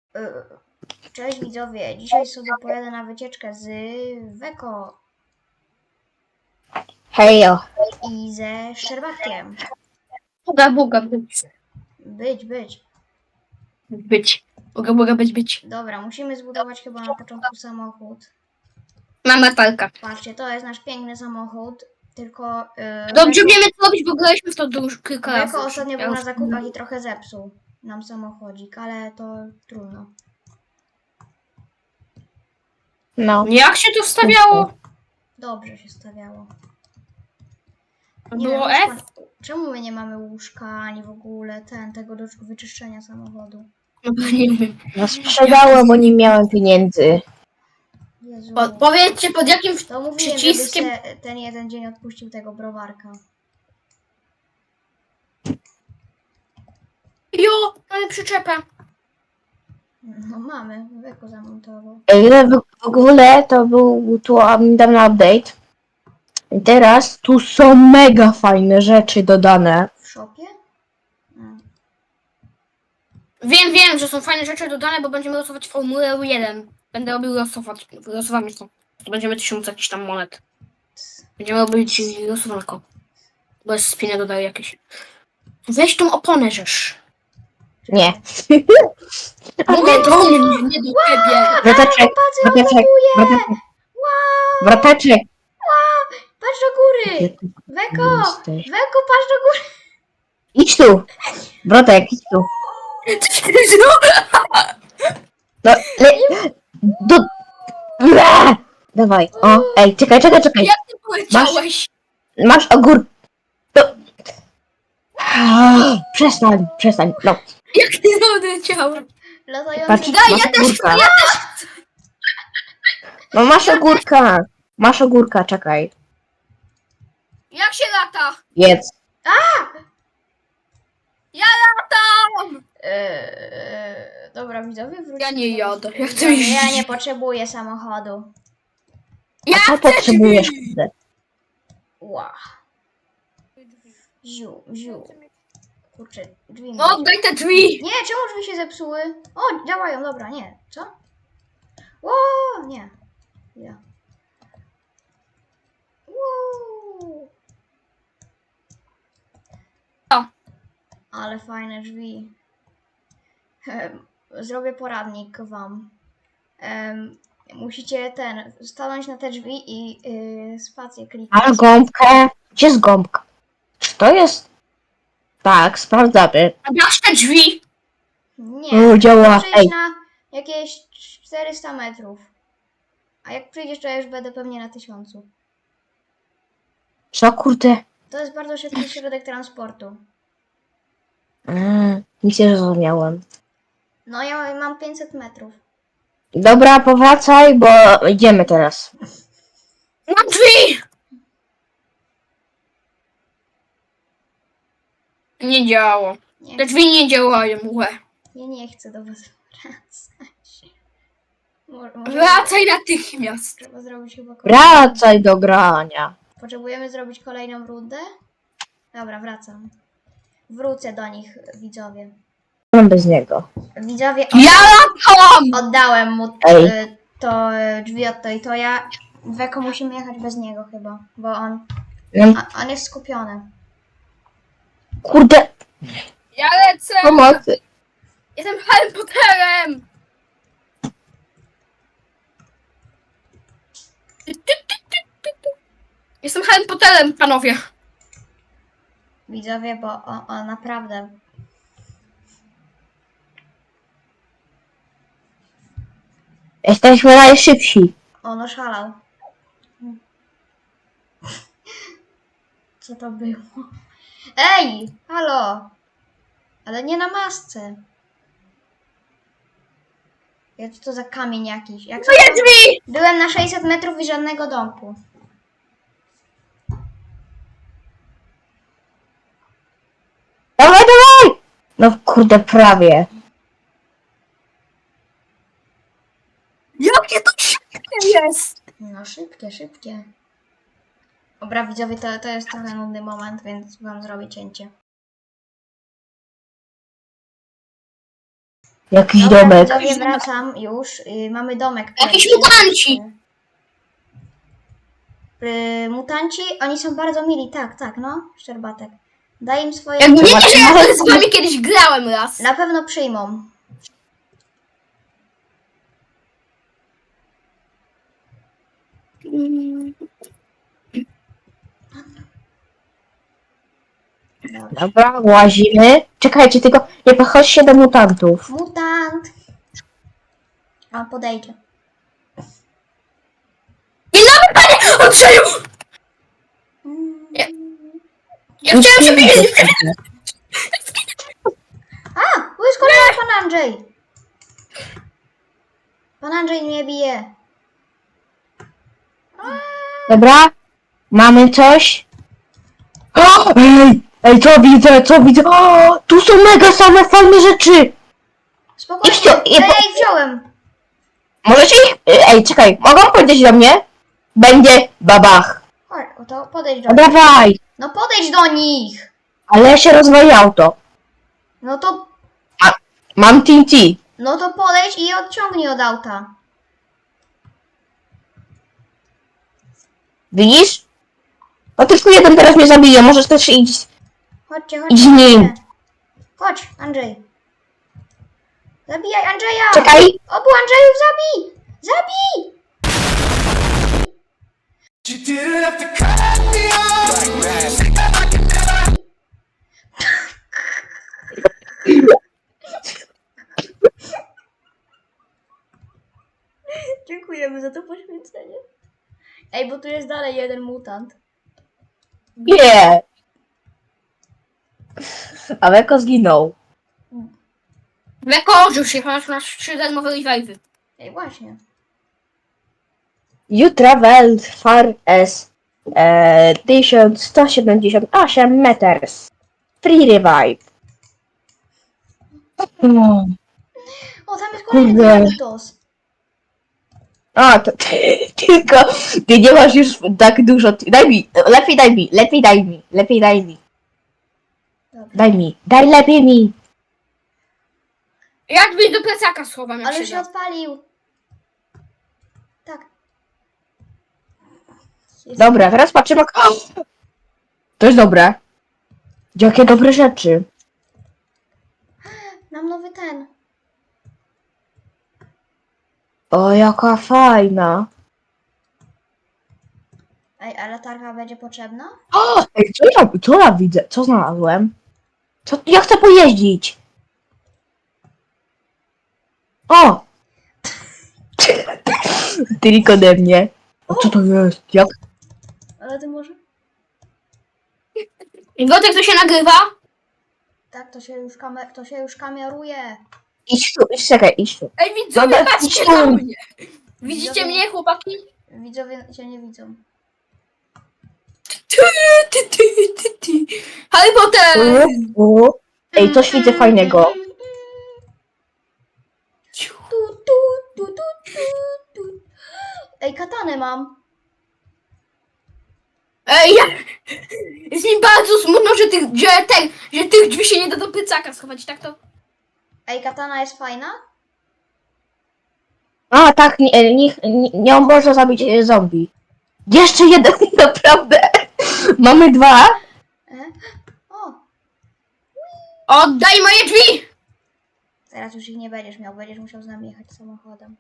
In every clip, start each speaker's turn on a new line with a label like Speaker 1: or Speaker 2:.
Speaker 1: Cześć widzowie, dzisiaj sobie pojadę na wycieczkę z Weko
Speaker 2: Hejo.
Speaker 1: i ze Szczerbatkiem.
Speaker 2: Boga być.
Speaker 1: Być.
Speaker 2: Boga być.
Speaker 1: Dobra, musimy zbudować chyba na początku samochód.
Speaker 2: Mam metalka.
Speaker 1: Patrzcie, to jest nasz piękny samochód, tylko
Speaker 2: Dobrze wiemy co robić, bo graliśmy w to już kilka razy.
Speaker 1: Weko ostatnio był na zakupach i trochę zepsuł nam samochodzik, ale to trudno.
Speaker 2: No. Jak się to wstawiało?
Speaker 1: Dobrze się stawiało.
Speaker 2: Było
Speaker 1: wiem,
Speaker 2: F?
Speaker 1: czemu my nie mamy łóżka, ani w ogóle tego do wyczyszczenia samochodu?
Speaker 2: No nie wiem.
Speaker 3: No sprzedałem, bo nie miałem pieniędzy.
Speaker 1: Jezu.
Speaker 2: Powiedzcie pod jakim
Speaker 1: To mówiłem,
Speaker 2: przyciskiem.
Speaker 1: żeby se ten jeden dzień odpuścił tego browarka.
Speaker 2: Jo, mamy przyczepę.
Speaker 1: No mamy, Weko zamontował.
Speaker 3: W ogóle to był tu niedawno update. I teraz tu są mega fajne rzeczy dodane.
Speaker 1: W shopie?
Speaker 2: Wiem, że są fajne rzeczy dodane, bo będziemy losować Formułę 1. Będę robił losowanie to. To będziemy 1000 jakichś tam monet. Będziemy robić losowanko. Bez spiny dodaję jakieś. Weź tą oponę, żeż.
Speaker 3: Nie.
Speaker 2: Mówię do mnie, nie do ciebie.
Speaker 3: Wroteczek, wroteczek, wroteczek,
Speaker 1: Wow!
Speaker 3: wroteczek.
Speaker 1: Patrz do góry! Weko! Weko, patrz do góry!
Speaker 3: Idź tu. Wrotek, idź tu. No, do... Dawaj, o, ej, czekaj.
Speaker 2: Jak ty poleciałeś?
Speaker 3: Masz ogór... To... Przestań, no.
Speaker 2: Jak ty poleciałeś?
Speaker 1: Latający...
Speaker 3: Masz ogórka. No masz ogórka, czekaj.
Speaker 2: Jak się lata?
Speaker 3: Jedz.
Speaker 2: Ja latam!
Speaker 1: Dobra, widzowie, wróćcie.
Speaker 2: Ja nie jadę. Ja chcę
Speaker 1: Widzowie,
Speaker 2: iść.
Speaker 1: ja nie potrzebuję samochodu.
Speaker 2: Ja
Speaker 3: A co
Speaker 2: chcę
Speaker 3: potrzebujesz,
Speaker 2: drzwi.
Speaker 3: kurde?
Speaker 1: Ła. Ziu. Kurczę, drzwi mi...
Speaker 2: No, daj te drzwi!
Speaker 1: Nie, czemu drzwi się zepsuły? O, działają, dobra, nie. Co? O, nie. Ja. Wow.
Speaker 2: O.
Speaker 1: Ale fajne drzwi. Zrobię poradnik wam. Musicie stanąć na te drzwi i spację kliknąć.
Speaker 3: Ale gąbkę. Gdzie jest gąbka? Czy to jest... Tak, sprawdzamy.
Speaker 2: A masz te drzwi?
Speaker 1: Nie,
Speaker 3: Działa.
Speaker 1: przyjdź
Speaker 3: Ej,
Speaker 1: na jakieś 400 metrów. A jak przyjdziesz, to ja już będę pewnie na 1000.
Speaker 3: co kurde?
Speaker 1: To jest bardzo szybki środek transportu.
Speaker 3: Nic nie zrozumiałem.
Speaker 1: No ja mam 500 metrów.
Speaker 3: Dobra, powracaj, bo idziemy teraz.
Speaker 2: Na drzwi! Nie działa.
Speaker 1: Nie,
Speaker 2: Te drzwi nie działają, łe.
Speaker 1: ja nie chcę do was wracać. Może
Speaker 2: Wracaj natychmiast.
Speaker 1: trzeba zrobić chyba kolejną...
Speaker 3: Wracaj do grania.
Speaker 1: Potrzebujemy zrobić kolejną rundę? Dobra, wracam. Wrócę do nich, widzowie.
Speaker 3: Mam bez niego.
Speaker 1: Widzowie,
Speaker 2: Ja latam!
Speaker 1: oddałem mu
Speaker 3: Ej.
Speaker 1: to drzwi od to i to ja. Weko musimy jechać bez niego chyba, bo on jest skupiony.
Speaker 3: Kurde,
Speaker 2: Ja lecę!
Speaker 3: pomocy.
Speaker 2: Jestem Harry Potterem! Jestem Harry Potterem, panowie.
Speaker 1: Widzowie, bo on naprawdę.
Speaker 3: Jesteśmy najszybsi.
Speaker 1: On oszalał. Co to było? Ej! Halo! Ale nie na masce. Ja co to za kamień jakiś? Jak
Speaker 2: Moje drzwi!
Speaker 1: Byłem na 600 metrów i żadnego domku.
Speaker 3: Dawaj! No kurde, prawie.
Speaker 2: Jakie to szybkie jest!
Speaker 1: No szybkie. Dobra, widzowie, to jest trochę nudny moment, więc wam zrobię cięcie.
Speaker 3: Jakiś
Speaker 1: Dobra,
Speaker 3: domek.
Speaker 1: widzowie, wracam już. Mamy domek.
Speaker 2: Jakiś
Speaker 1: pierwszy.
Speaker 2: mutanci!
Speaker 1: Mutanci, oni są bardzo mili, tak, no, Szczerbatek. Daj im swoje...
Speaker 2: Jakby
Speaker 3: Zobacz,
Speaker 2: wiecie, że ja
Speaker 3: nawet-
Speaker 2: z wami kiedyś grałem raz.
Speaker 1: Na pewno przyjmą. Dobrze.
Speaker 3: Dobra, łazimy. Czekajcie, tylko nie podchodźcie do mutantów.
Speaker 1: Mutant! O, podejdzie.
Speaker 2: Dzień dobry, panie Andrzeju! Ja chciałem się wiedzieć.
Speaker 1: A! Wyskoczył pan Andrzej! Pan Andrzej mnie bije.
Speaker 3: Dobra, mamy coś. O, ej, co widzę? O, tu są mega same fajne rzeczy.
Speaker 1: Spokojnie,
Speaker 3: Idźcie,
Speaker 1: ja ich wziąłem.
Speaker 3: Możecie ich... Ej, czekaj, mogą powiedzieć do mnie? Będzie babach.
Speaker 1: Chodź, to podejdź do
Speaker 3: No
Speaker 1: nich.
Speaker 3: dawaj,
Speaker 1: No podejdź do nich!
Speaker 3: ale się rozwali auto.
Speaker 1: No to,
Speaker 3: Mam TNT.
Speaker 1: no to podejdź i je odciągnij od auta.
Speaker 3: Widzisz? No tylko jeden teraz mnie zabije, możesz też iść.
Speaker 1: Chodźcie.
Speaker 3: Idź z nim.
Speaker 1: Chodź, Andrzej. Zabijaj Andrzeja!
Speaker 3: Czekaj.
Speaker 1: Obu Andrzejów zabij! Zabij!
Speaker 4: You didn't have to cut me off like that.
Speaker 1: Dziękujemy za to poświęcenie. Ej, bo tu jest dalej jeden mutant.
Speaker 3: Nie. A Weko zginął.
Speaker 2: Wekorzył się, masz 3 darmowe revive'y.
Speaker 1: Ej, właśnie.
Speaker 3: You traveled far as 1178 meters. Free revive.
Speaker 1: O, tam jest kolejny
Speaker 3: Kurde.
Speaker 1: Dynamitos.
Speaker 3: A, to tylko ty nie masz już tak dużo. Daj mi, lepiej daj mi.
Speaker 1: Dobra.
Speaker 3: Daj lepiej mi.
Speaker 2: Ja drzwi do plecaka schowam, jak
Speaker 1: Ale
Speaker 2: się
Speaker 1: się
Speaker 2: da.
Speaker 1: odpalił. Tak. Jest.
Speaker 3: Dobra, teraz patrzymy. To jest dobre. Jakie dobre rzeczy.
Speaker 1: Mam nowy ten.
Speaker 3: O, jaka fajna.
Speaker 1: Ej, a latarka będzie potrzebna?
Speaker 3: O, ej, co ja widzę? Co znalazłem? Ja chcę pojeździć. O! Tylko ode mnie. A co to jest? Jak?
Speaker 1: Ale ty może?
Speaker 2: I Gotek to się nagrywa?
Speaker 1: Tak, to się już kameruje.
Speaker 3: Idź tu, idź tu.
Speaker 2: Ej, widzowie,
Speaker 3: Dobra,
Speaker 2: patrzcie
Speaker 3: idź
Speaker 2: na
Speaker 3: tam.
Speaker 2: mnie. Widzicie
Speaker 1: Widzowie-
Speaker 2: mnie, chłopaki?
Speaker 1: Widzowie cię nie widzą.
Speaker 2: Harry Potter!
Speaker 3: Ej, coś widzę fajnego.
Speaker 1: Tu, tu, tu, tu, tu, tu. Ej, katanę mam.
Speaker 2: Ej, jest mi bardzo smutno, że tych drzwi się nie da do plecaka schować, tak to?
Speaker 1: Ej, katana jest fajna?
Speaker 3: A, tak, nie można zabić zombie. Jeszcze jeden, naprawdę. Mamy 2.
Speaker 1: O,
Speaker 2: Oddaj moje drzwi!
Speaker 1: teraz już ich nie będziesz miał, będziesz musiał z nami jechać samochodem.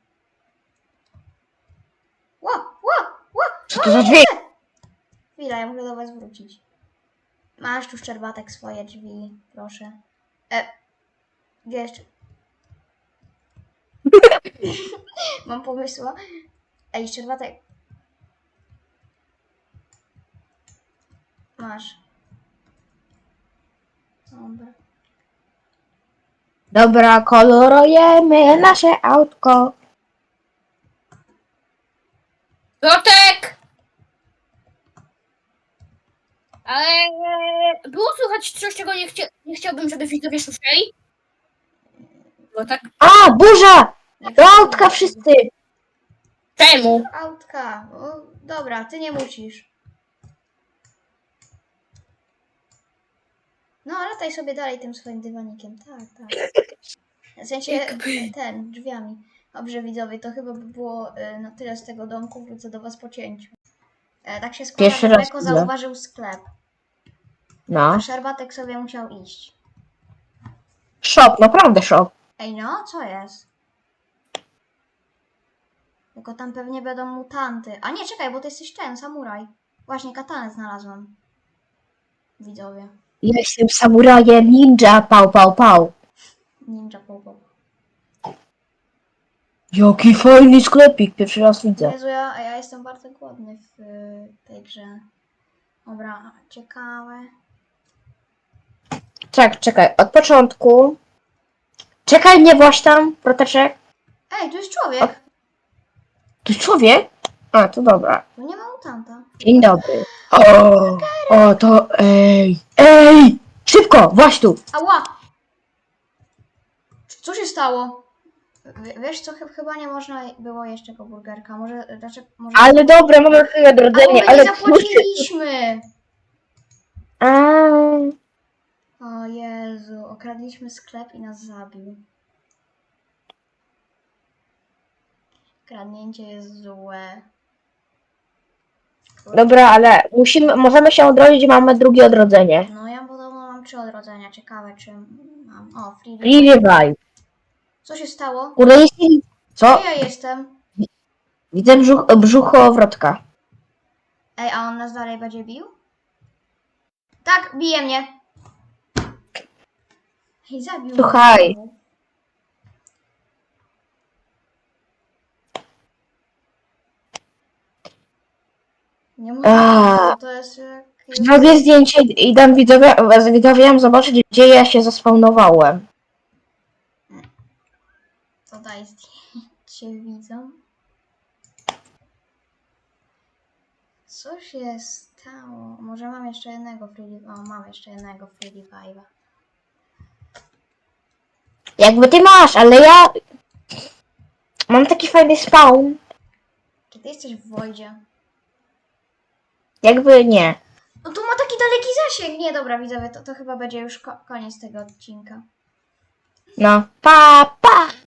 Speaker 1: Ło, ło, ło!
Speaker 3: Co to za drzwi?
Speaker 1: Chwila, ja muszę do was wrócić. Masz tu Szczerbatek swoje drzwi, proszę. Gdzie jeszcze? Mam pomysła. Ej, Szczerbatek. Masz. Dobra.
Speaker 3: Dobra, kolorujemy nasze autko.
Speaker 2: Gotek! Ale było słychać coś, czego nie chciałbym, żeby widzowie słyszeli? Gotek?
Speaker 3: A, burza! Do autka wszyscy!
Speaker 2: Czemu?
Speaker 1: Autka. O, dobra, ty nie musisz. No, lataj sobie dalej tym swoim dywanikiem. Tak, tak. W sensie
Speaker 2: Jakby.
Speaker 1: drzwiami. Dobrze widzowie, to chyba by było na tyle z tego domku. Wrócę do was po cięciu. Tak się składa,
Speaker 3: Pierwszy
Speaker 1: że
Speaker 3: raz
Speaker 1: Beko
Speaker 3: widzę.
Speaker 1: zauważył sklep,
Speaker 3: No.
Speaker 1: a Szerbatek sobie musiał iść.
Speaker 3: Szok, naprawdę szok.
Speaker 1: Ej no, co jest? Tylko tam pewnie będą mutanty. A nie, czekaj, bo ty jesteś ten, samuraj. Właśnie, katanę znalazłam. Widzowie.
Speaker 3: Ja jestem samurajem ninja, pał, pał, pał.
Speaker 1: Ninja Popo.
Speaker 3: Jaki fajny sklepik, pierwszy raz widzę.
Speaker 1: Jezu, ja jestem bardzo głodny w tej grze. Dobra, ciekawe.
Speaker 3: Czekaj, od początku. Czekaj, nie właź tam, proteczek.
Speaker 1: Ej, tu jest człowiek!
Speaker 3: Tu człowiek? A, to dobra.
Speaker 1: Tu nie ma mutanta.
Speaker 3: Dzień dobry. O, to ej! Szybko, właź tu.
Speaker 1: Ała! Co się stało? Wiesz co, chyba nie można było jeszcze po burgerka. Może...
Speaker 3: Ale dobra, mamy chwilę odrodzenie,
Speaker 1: ale nie
Speaker 3: ale
Speaker 1: zapłaciliśmy!
Speaker 3: A,
Speaker 1: O Jezu, okradliśmy sklep i nas zabił. Kradnięcie jest złe.
Speaker 3: dobra, ale możemy się odrodzić, mamy drugie odrodzenie.
Speaker 1: No ja podobno mam 3 odrodzenia. Ciekawe czy mam... O, free.
Speaker 3: Free revive.
Speaker 1: Co się stało?
Speaker 3: Kurde, co?
Speaker 1: Gdzie ja jestem?
Speaker 3: Widzę brzuchowrotka.
Speaker 1: Ej, a on nas dalej będzie bił? Tak, bije mnie. Ej, zabił
Speaker 3: Słuchaj.
Speaker 1: mnie. Nie mówię,
Speaker 3: A.
Speaker 1: to jest jakieś...
Speaker 3: Zrobię zdjęcie i dam widzowiom zobaczyć, gdzie ja się zaspawnowałem.
Speaker 1: To daj zdjęcie widzą. Co się stało? Może mam jeszcze jednego free... O, mam jeszcze jednego free revive'a.
Speaker 3: Jakby ty masz, ale ja mam taki fajny spawn.
Speaker 1: Czy ty jesteś w Wojdzie?
Speaker 3: Jakby nie.
Speaker 1: No tu ma taki daleki zasięg. Nie, dobra, widzowie, to chyba będzie już koniec tego odcinka.
Speaker 3: No. Pa, pa!